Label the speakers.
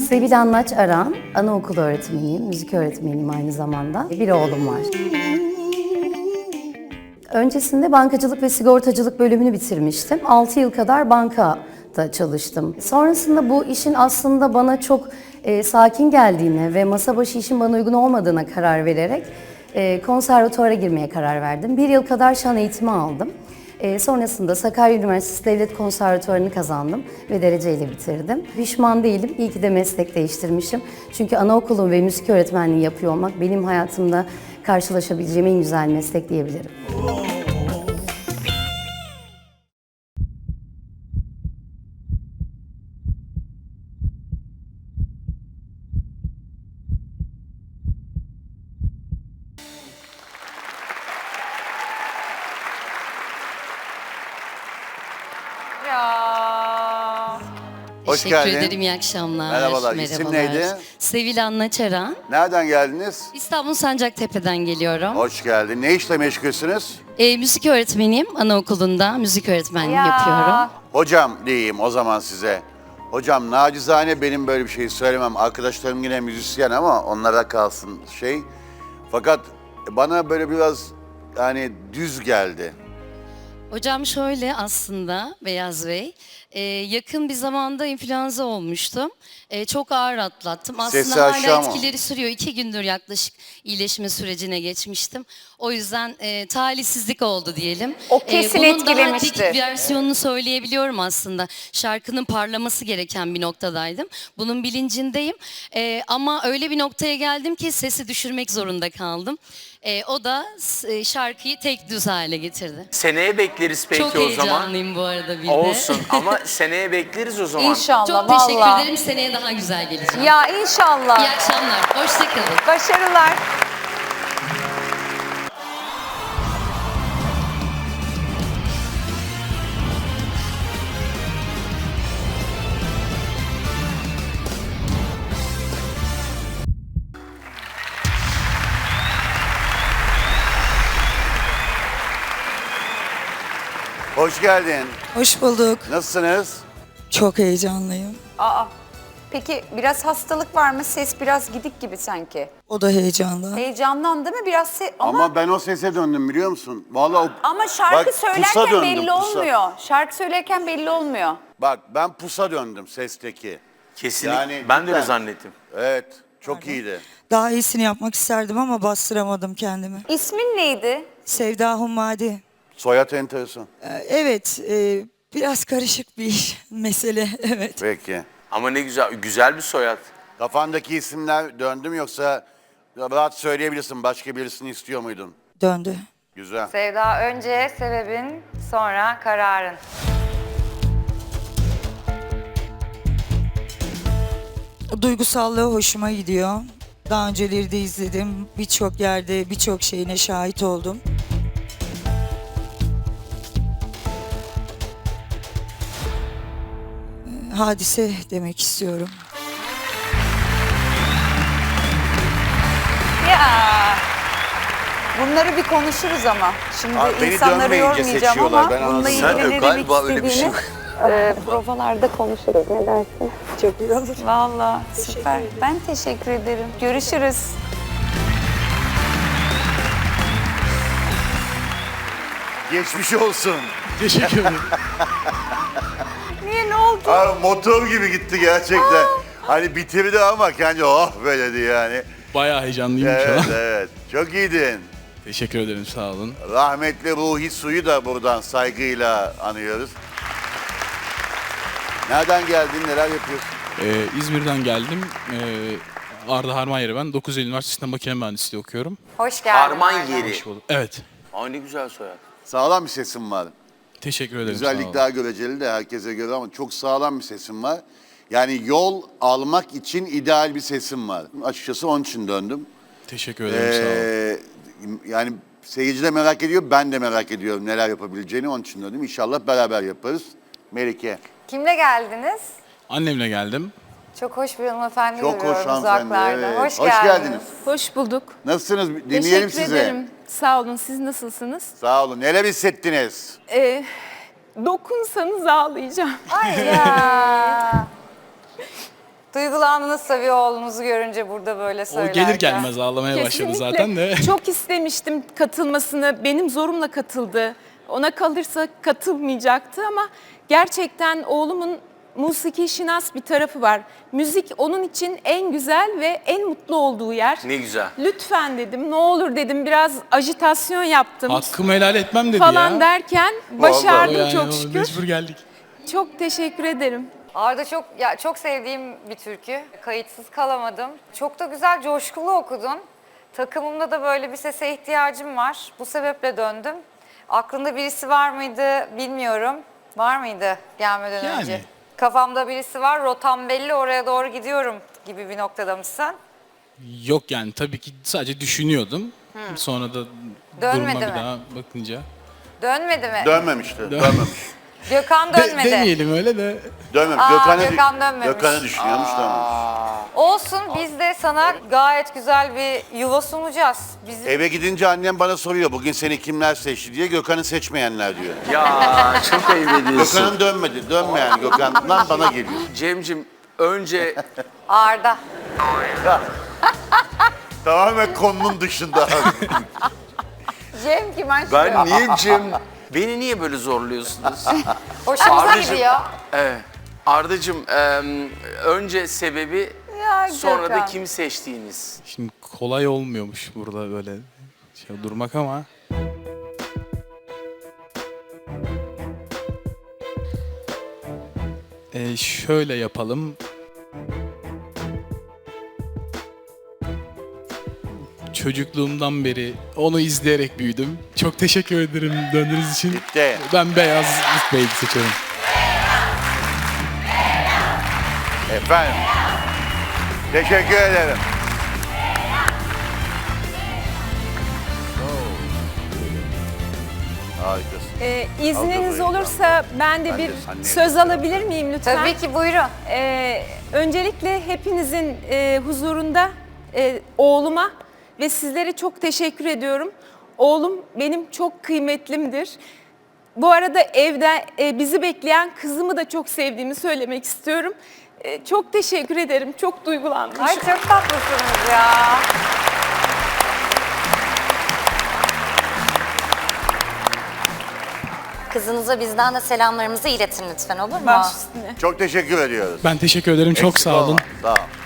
Speaker 1: Sevil Anlaç Aran, anaokulu öğretmeniyim, müzik öğretmeniyim aynı zamanda. Bir oğlum var. Öncesinde bankacılık ve sigortacılık bölümünü bitirmiştim. 6 yıl kadar bankada çalıştım. Sonrasında bu işin aslında bana çok sakin geldiğine ve masa başı işin bana uygun olmadığına karar vererek konservatuvara girmeye karar verdim. 1 yıl kadar şan eğitimi aldım. Sonrasında Sakarya Üniversitesi Devlet Konservatuvarı'nı kazandım ve dereceyle bitirdim. Pişman değilim, iyi ki de meslek değiştirmişim. Çünkü anaokulu ve müzik öğretmenliği yapıyor olmak benim hayatımda karşılaşabileceğim en güzel meslek diyebilirim.
Speaker 2: Ya.
Speaker 3: Hoş
Speaker 1: Teşekkür
Speaker 3: geldin.
Speaker 1: ederim, iyi akşamlar.
Speaker 3: Merhabalar, isim neydi?
Speaker 1: Sevil Anlaç Aran.
Speaker 3: Nereden geldiniz?
Speaker 1: İstanbul Sancaktepe'den geliyorum.
Speaker 3: Hoş geldin. Ne işle meşgulsünüz?
Speaker 1: Müzik öğretmeniyim, anaokulunda müzik öğretmenliği
Speaker 2: Ya.
Speaker 3: Hocam diyeyim o zaman size. Hocam nacizane benim böyle bir şey söylemem. Arkadaşlarım yine müzisyen ama onlara kalsın şey. Fakat bana böyle biraz yani düz geldi.
Speaker 1: Hocam şöyle aslında Beyaz Bey, yakın bir zamanda influenza olmuştum. Çok ağır atlattım.
Speaker 3: Sesi
Speaker 1: Aslında hala
Speaker 3: aşağı mı?
Speaker 1: etkileri sürüyor. 2 gündür yaklaşık iyileşme sürecine geçmiştim. O yüzden talihsizlik oldu diyelim.
Speaker 2: O kesin
Speaker 1: bunun
Speaker 2: etkilemiştir.
Speaker 1: daha tek versiyonunu söyleyebiliyorum aslında. Şarkının parlaması gereken bir noktadaydım. Bunun bilincindeyim. Ama öyle bir noktaya geldim ki sesi düşürmek zorunda kaldım. O da şarkıyı tek düz hale getirdi.
Speaker 4: Seneye bekleriz peki
Speaker 1: Çok
Speaker 4: o zaman.
Speaker 1: heyecanlıyım bu arada bir de.
Speaker 4: Olsun ama seneye bekleriz o zaman.
Speaker 2: İnşallah
Speaker 1: Çok
Speaker 2: vallahi.
Speaker 1: teşekkür ederim. Seneye daha güzel geleceğim.
Speaker 2: Ya
Speaker 1: İyi
Speaker 2: inşallah.
Speaker 1: akşamlar. Hoşça kalın.
Speaker 2: Başarılar.
Speaker 3: Hoş geldin.
Speaker 5: Hoş bulduk.
Speaker 3: Nasılsınız?
Speaker 5: Çok heyecanlıyım.
Speaker 2: Aa. Peki biraz hastalık var mı? Ses biraz gidik gibi sanki.
Speaker 5: O da heyecanlı.
Speaker 2: Heyecandan değil mi? Biraz
Speaker 3: Ama ben o sese döndüm biliyor musun? Vallahi
Speaker 2: Ama şarkı
Speaker 3: bak, pusa
Speaker 2: söylerken
Speaker 3: döndüm,
Speaker 2: belli
Speaker 3: pusa.
Speaker 2: olmuyor. Şarkı söylerken belli olmuyor.
Speaker 3: Bak ben pusa döndüm sesteki.
Speaker 4: Kesinlikle.
Speaker 3: Yani
Speaker 4: ben de öyle
Speaker 3: cidden.
Speaker 4: zannettim.
Speaker 3: Evet, çok iyiydi.
Speaker 5: Daha iyisini yapmak isterdim ama bastıramadım kendimi.
Speaker 2: İsmin neydi?
Speaker 5: Sevda Hummadi.
Speaker 3: Soyad enteresan.
Speaker 5: Evet, biraz karışık bir mesele. Evet.
Speaker 3: Peki.
Speaker 4: Ama ne güzel, güzel bir soyad.
Speaker 3: Kafandaki isimler döndü mü yoksa rahat söyleyebilirsin başka birisini istiyor muydun?
Speaker 5: Döndü.
Speaker 3: Güzel.
Speaker 2: Sevda, önce sebebin, sonra kararın.
Speaker 5: Duygusallığı hoşuma gidiyor. Daha önceleri de izledim. Birçok yerde birçok şeyine şahit oldum. Hadise demek istiyorum.
Speaker 2: Ya. Bunları bir konuşuruz ama. Şimdi
Speaker 3: Abi beni
Speaker 2: insanları
Speaker 3: dönmeyince
Speaker 2: yormayacağım
Speaker 3: seçiyorlar,
Speaker 2: ama
Speaker 3: ben anladım.
Speaker 2: bununla
Speaker 4: Sen
Speaker 2: ilgili ne demek
Speaker 4: galiba öyle bir şey
Speaker 2: istediğini provalarda konuşuruz. Ne dersin?
Speaker 5: Çok iyi olur.
Speaker 2: Vallahi süper. Ben teşekkür ederim. Görüşürüz.
Speaker 3: Geçmiş olsun.
Speaker 6: Teşekkür ederim.
Speaker 2: Niye, ne oldu?
Speaker 3: Abi motor gibi gitti gerçekten. Hani bitirdi ama kendi oh böyledi yani.
Speaker 6: Bayağı heyecanlıyım şu
Speaker 3: Evet
Speaker 6: an.
Speaker 3: evet. Çok iyiydin.
Speaker 6: Teşekkür ederim, sağ olun.
Speaker 3: Rahmetli Ruhi Su'yu da buradan saygıyla anıyoruz. Nereden geldin, neler yapıyorsun?
Speaker 6: İzmir'den geldim. Arda Harman yeri ben. 9 Eylül Üniversitesi'nde makine mühendisliği okuyorum.
Speaker 2: Hoş geldin.
Speaker 4: Harman
Speaker 2: Arda.
Speaker 4: yeri.
Speaker 6: Hoş bulduk. Evet.
Speaker 4: Aa ne güzel soyad.
Speaker 3: Sağlam bir sesin var.
Speaker 6: Teşekkür ederim, sağ
Speaker 3: Güzellik
Speaker 6: olun.
Speaker 3: daha göreceli de herkese göre ama çok sağlam bir sesin var. Yani yol almak için ideal bir sesin var. Açıkçası onun için döndüm.
Speaker 6: Teşekkür ederim, sağ olun.
Speaker 3: Yani seyirci de merak ediyor, ben de merak ediyorum neler yapabileceğini. Onun için döndüm. İnşallah beraber yaparız. Melike.
Speaker 2: Kimle geldiniz?
Speaker 6: Annemle geldim.
Speaker 2: Çok hoş bir hanımefendi
Speaker 3: Çok hoş
Speaker 2: görüyorum
Speaker 3: hanımefendi.
Speaker 2: uzaklarda.
Speaker 3: Evet.
Speaker 2: Hoş,
Speaker 3: Hoş geldiniz.
Speaker 7: Hoş bulduk.
Speaker 3: Nasılsınız? Dinleyelim
Speaker 7: Teşekkür
Speaker 3: sizi.
Speaker 7: ederim. Sağ olun. Siz nasılsınız?
Speaker 3: Sağ olun. Neler hissettiniz?
Speaker 7: Dokunsanız ağlayacağım.
Speaker 2: Ay ya. Duygulandım. Hayranınız tabii oğlunuzu görünce burada böyle
Speaker 6: O
Speaker 2: söylerken.
Speaker 6: gelir gelmez ağlamaya başladı
Speaker 7: Kesinlikle.
Speaker 6: zaten de.
Speaker 7: Çok istemiştim katılmasını. Benim zorumla katıldı. Ona kalırsa katılmayacaktı ama gerçekten oğlumun musiki şinas bir tarafı var. Müzik onun için en güzel ve en mutlu olduğu yer.
Speaker 4: Ne güzel.
Speaker 7: Lütfen dedim, ne olur dedim, biraz ajitasyon yaptım
Speaker 6: Hakkımı helal etmem dedi
Speaker 7: falan
Speaker 6: ya.
Speaker 7: derken
Speaker 6: O
Speaker 7: başardım
Speaker 6: yani,
Speaker 7: çok
Speaker 6: o
Speaker 7: şükür.
Speaker 6: Mecbur geldik.
Speaker 7: Çok teşekkür ederim.
Speaker 2: Arda çok sevdiğim bir türkü. Kayıtsız kalamadım. Çok da güzel, coşkulu okudun. Takımımda da böyle bir sese ihtiyacım var. Bu sebeple döndüm. Aklında birisi var mıydı bilmiyorum. Var mıydı gelmeden
Speaker 6: Yani.
Speaker 2: önce? Kafamda birisi var, rotam belli, oraya doğru gidiyorum gibi bir noktada mısın?
Speaker 6: Yok yani tabii ki sadece düşünüyordum. Sonra da
Speaker 2: Dönmedi
Speaker 6: duruma bir
Speaker 2: mi?
Speaker 6: daha bakınca.
Speaker 2: Dönmedi mi?
Speaker 3: Dönmemişti. Dönmemiş.
Speaker 2: Gökhan dönmedi.
Speaker 6: Demeyelim öyle de.
Speaker 3: Dönmemiş.
Speaker 2: Gökhan dönmemiş.
Speaker 3: Gökhan'ı düşünüyormuş dönmemiş.
Speaker 2: Olsun, biz de sana gayet güzel bir yuva sunacağız. Bizim
Speaker 3: Eve gidince annem bana soruyor bugün seni kimler seçti diye. Gökhan'ı seçmeyenler diyor.
Speaker 4: Ya çok ayıp ediyorsun.
Speaker 3: Gökhan'ın dönmedi. Dönmeyen Gökhan'dan bana geliyor.
Speaker 4: Cem'cim önce
Speaker 2: Arda.
Speaker 3: Tamamen konunun dışında.
Speaker 2: Cem kim aşkım?
Speaker 4: ben niye Cem... Beni niye böyle zorluyorsunuz?
Speaker 2: Hoşumuza
Speaker 4: Ardacığım.
Speaker 2: gidiyor.
Speaker 4: Evet. Ardacığım önce sebebi
Speaker 2: Ya
Speaker 4: sonra da
Speaker 2: Gökhan.
Speaker 4: kimi seçtiğiniz.
Speaker 6: Şimdi kolay olmuyormuş burada böyle şey durmak ama. Şöyle yapalım. Çocukluğumdan beri onu izleyerek büyüdüm. Çok teşekkür ederim döndüğünüz için.
Speaker 3: Bitti.
Speaker 6: Ben Beyaz Bey'i seçiyorum.
Speaker 3: Efendim. Teşekkür ederim. Harikasın.
Speaker 7: İzniniz
Speaker 3: Aldım
Speaker 7: olursa ben de
Speaker 3: Ben
Speaker 7: bir
Speaker 3: de anneye
Speaker 7: söz alabilir miyim lütfen?
Speaker 2: Tabii ki, buyurun.
Speaker 7: Öncelikle hepinizin huzurunda oğluma ve sizlere çok teşekkür ediyorum. Oğlum benim çok kıymetlimdir. Bu arada evde bizi bekleyen kızımı da çok sevdiğimi söylemek istiyorum. Çok teşekkür ederim. Çok duygulandım.
Speaker 2: Ay çok tatlısınız ya.
Speaker 8: Kızınıza bizden de selamlarımızı iletin lütfen, olur mu?
Speaker 7: Baş üstüne.
Speaker 3: Çok teşekkür ediyoruz.
Speaker 6: Ben teşekkür ederim. Çok
Speaker 3: Eksik
Speaker 6: sağ olun.
Speaker 3: olma. Sağ ol.